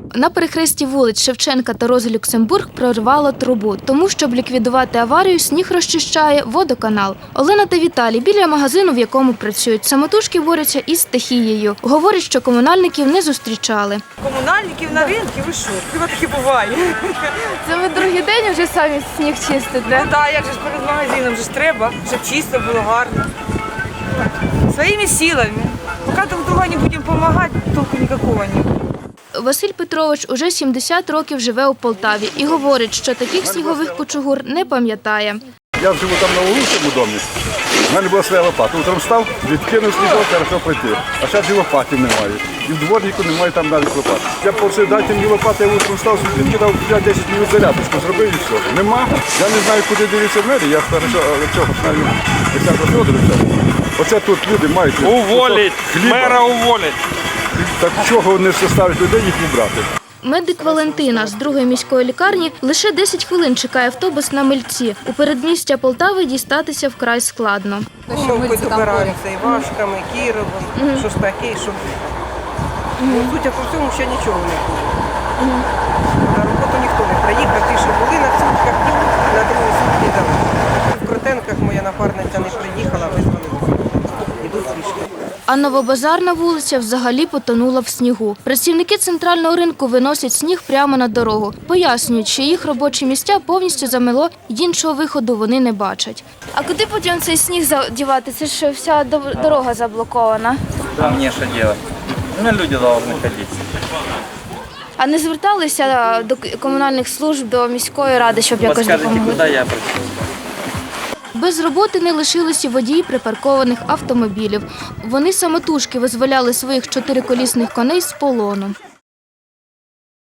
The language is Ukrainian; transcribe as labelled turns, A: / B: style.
A: На перехресті вулиць Шевченка та Рози Люксембург прорвало трубу. Тому, щоб ліквідувати аварію, сніг розчищає водоканал. Олена та Віталій біля магазину, в якому працюють. Самотужки борються із стихією. Говорять, що комунальників не зустрічали.
B: Комунальників на ринку, ви що? Хіба таке буває?
A: Це ви другий день вже самі сніг чистите?
B: Ну так, як же ж перед магазином вже ж треба, щоб чисто було гарно. Своїми силами. Поки друг другу не будемо допомагати, толку ніякого не буде.
A: Василь Петрович уже 70 років живе у Полтаві і говорить, що таких снігових кучугур не пам'ятає.
C: Я живу там на Волинському домі. У мене була своя лопата. Утром встав, відкинув снігок, хорошо пройти. А зараз і лопатів немає. І в дворнику немає там навіть лопат. Я просив, дайте мені лопати, я утром встав, відкидав 5-10 минут зарядочку, зробив і все. Нема. Я не знаю, куди дивитися в мене. Я хорошо цього знаю Олександра Федоровича. Оце тут люди мають.
D: Уволить! Мера уволить!
C: Так чого не заставить людей їх убрати?
A: Медик Валентина з 2-ї міської лікарні лише 10 хвилин чекає автобус на Мильці. У передмістя Полтави дістатися вкрай складно.
B: Ми добираємося і Вашками, і Кіровом, що ж таке, що... Судя по всьому, ще нічого не було. На роботу ніхто не приїхав, ті, що були на сутках, на другій сутки дали. В Крутенках моя напарниця не приїхала, визвали. Ідуть пішки.
A: А Новобазарна вулиця взагалі потонула в снігу. Працівники центрального ринку виносять сніг прямо на дорогу. Пояснюють, що їх робочі місця повністю замело, і іншого виходу вони не бачать. А куди потім цей сніг дівати? Це ж вся дорога заблокована.
D: А мне что делать? Ну, люди должны ходить.
A: А не зверталися до комунальних служб, до міської ради, щоб якось
D: Подскажите,
A: допомогли?
D: куда я обратился?
A: Без роботи не лишилися водії припаркованих автомобілів. Вони самотужки визволяли своїх чотириколісних коней з полону.